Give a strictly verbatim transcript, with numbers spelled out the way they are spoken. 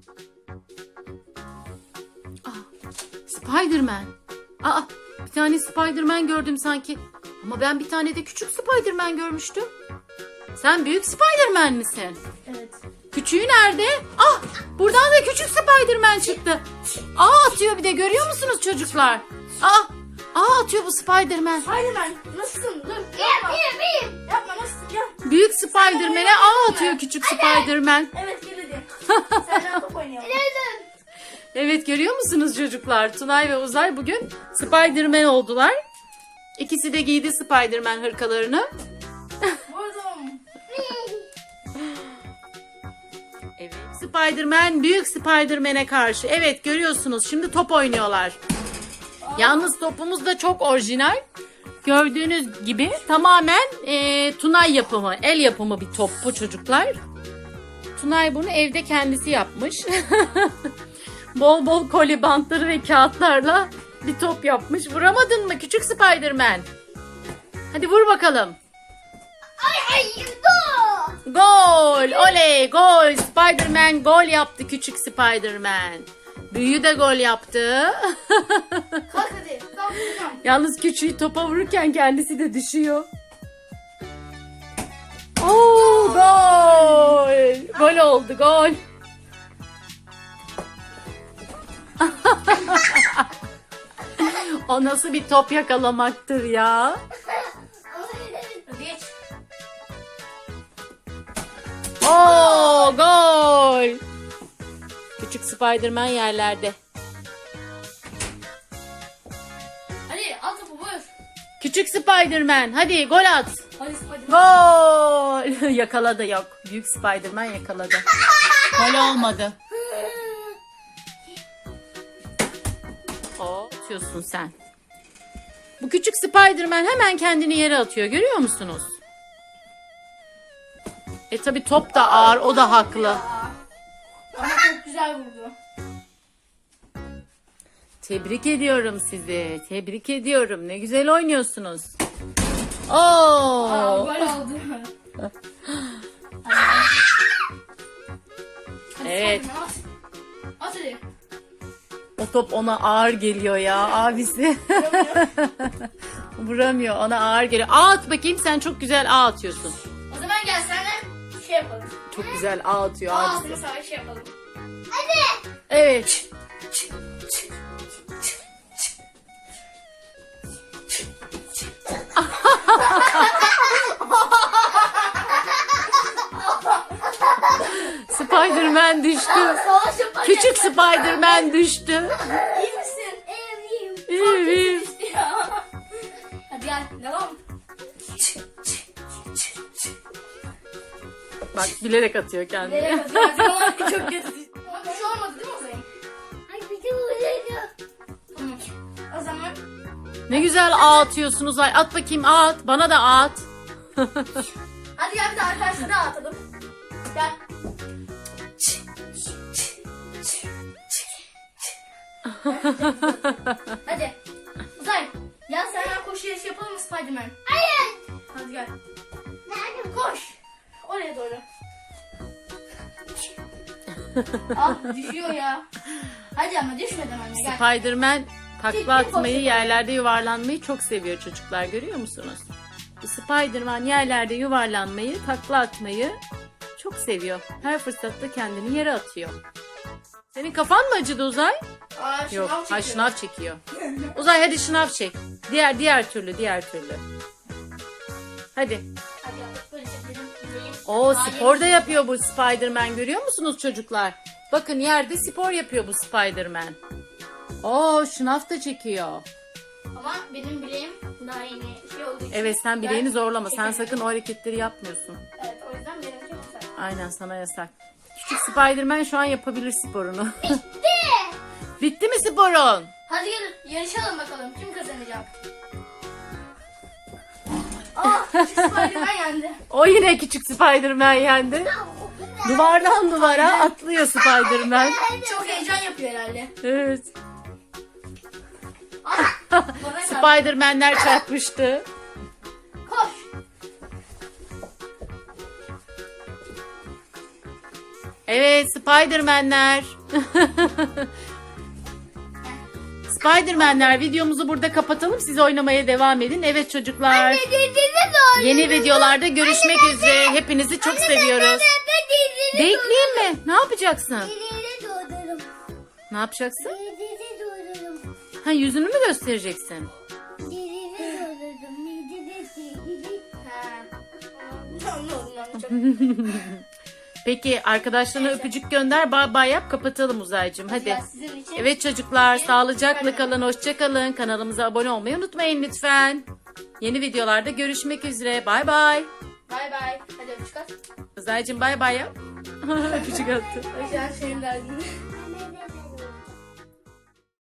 Spiderman. Aa, bir tane Spiderman gördüm sanki. Ama ben bir tane de küçük Spiderman görmüştüm. Sen büyük Spiderman misin? Evet. Küçüğü nerede? Ah, buradan da küçük Spiderman çıktı. Aa, atıyor bir de, görüyor musunuz çocuklar? Aa, aa atıyor bu Spiderman. Spiderman nasılsın? Dur. Yapma. Benim benim. Yapma, nasılsın? Gel. Büyük Spiderman'e aa atıyor küçük Spiderman. Evet, gel hadi. Senden top oynayalım. Evet, görüyor musunuz çocuklar? Tunay ve Uzay bugün Spiderman oldular. İkisi de giydi Spiderman hırkalarını. Vurdum. Evet. Spiderman büyük Spiderman'e karşı. Evet, görüyorsunuz şimdi top oynuyorlar. Yalnız topumuz da çok orijinal. Gördüğünüz gibi tamamen e, Tunay yapımı, el yapımı bir top bu çocuklar. Tunay bunu evde kendisi yapmış. Bol bol koli bantları ve kağıtlarla bir top yapmış. Vuramadın mı küçük Spiderman? Hadi vur bakalım. Ay ay dur. Gol! Oley! Gol! Spiderman gol yaptı küçük Spiderman. Büyüğü de gol yaptı. Kalk hadi. Kalk hadi. Yalnız küçüğü topa vururken kendisi de düşüyor. Oo, gol! Gol oldu, gol. O nasıl bir top yakalamaktır ya? Hadi geç. Oo, gol! Küçük Spiderman yerlerde. Hadi al topu, vur. Küçük Spiderman, hadi gol at. Hadi Spiderman. Gol! Yakaladı, yok. Büyük Spiderman yakaladı. Gol olmadı. O atıyorsun sen. Bu küçük Spiderman hemen kendini yere atıyor. Görüyor musunuz? E tabi top da ağır, o da haklı. Ama çok güzel vurdu. Tebrik ediyorum sizi. Tebrik ediyorum. Ne güzel oynuyorsunuz. Oo! Aa, gol oldu. Hadi Evet. Spiderman, at. At hadi. O top ona ağır geliyor ya abisi. Vuramıyor, ona ağır geliyor. Ağ at bakayım, sen çok güzel ağ atıyorsun. O zaman gel seninle şey yapalım. Çok güzel ağ atıyor Aa, abisi. mesela şey yapalım. Evet. Spiderman düştü. Savaş yaparken. Küçük Spiderman düştü. İyi misin? İyiyim, iyiyim. İyiyim, iyiyim. Hadi gel, devam. Bak, bilerek atıyor kendini. Nereye atıyorsun? Çok kötü. Ama bir şey olmadı değil mi Ozan? Ay bir de öyleydi. Tamam. O zaman Ne güzel ağ atıyorsunuz. Ay, at bakayım, ağ at. Bana da ağ at. hadi gel bir de arkadaşlara atalım. Gel. Hadi. Uzay. Gel seninle koşu yarışı yapalım mı Spiderman? Hayır. Hadi gel. Nerede? Koş. Oraya doğru. Ah, düşüyor ya. Hadi ama düşmeden anne gel. Spiderman takla Ciddi atmayı, koşuyor. yerlerde yuvarlanmayı çok seviyor çocuklar. Görüyor musunuz? Bu Spiderman yerlerde yuvarlanmayı, takla atmayı çok seviyor. Her fırsatta kendini yere atıyor. Senin kafan mı acıdı Uzay? Aa, Yok, şınav ha çekiyor. şınav çekiyor. Uzay hadi şınav çek. Diğer diğer türlü, diğer türlü. Hadi. Hadi yap, böyle çekelim. O Aa, spor da yeni- yapıyor bu Spiderman, görüyor musunuz çocuklar? Bakın, yerde spor yapıyor bu Spiderman. Oo, şınav da çekiyor. Ama benim bileğim daha yeni şey olduğu için. Evet, sen bileğini ben zorlama. Sen çekemiyorum. sakın o hareketleri yapmıyorsun. Evet, o yüzden benim çok güzel. Aynen, sana yasak. Küçük Spiderman şu an yapabilir sporunu. Bitti. Bitti mi sporun? Hadi gel yarışalım bakalım kim kazanacak. Aa, Spiderman yendi. O yine küçük Spiderman yendi. Duvardan duvara atlıyor Spiderman. Çok heyecan yapıyor herhalde. Evet. Aa, bana geldi. Spiderman'ler çarpıştı. Koş. Evet, Spiderman'ler. Spiderman'ler, videomuzu burada kapatalım. Siz oynamaya devam edin. Evet çocuklar. Yeni videolarda görüşmek üzere. Hepinizi çok seviyoruz. Bekleyeyim mi? Ne yapacaksın? Ne yapacaksın? Ha, yüzünü mü göstereceksin? Peki arkadaşlarına öpücük gönder, bay bay yap, kapatalım Uzaycığım. Hadi. Evet çocuklar, sağlıcakla kalın, hoşça kalın. Kanalımıza abone olmayı unutmayın lütfen. Yeni videolarda görüşmek üzere. Bay bay. Bay bay. Hadi öpücük at. Uzaycığım bay bay yap. Öpücük attı. Öpücük senin derdin.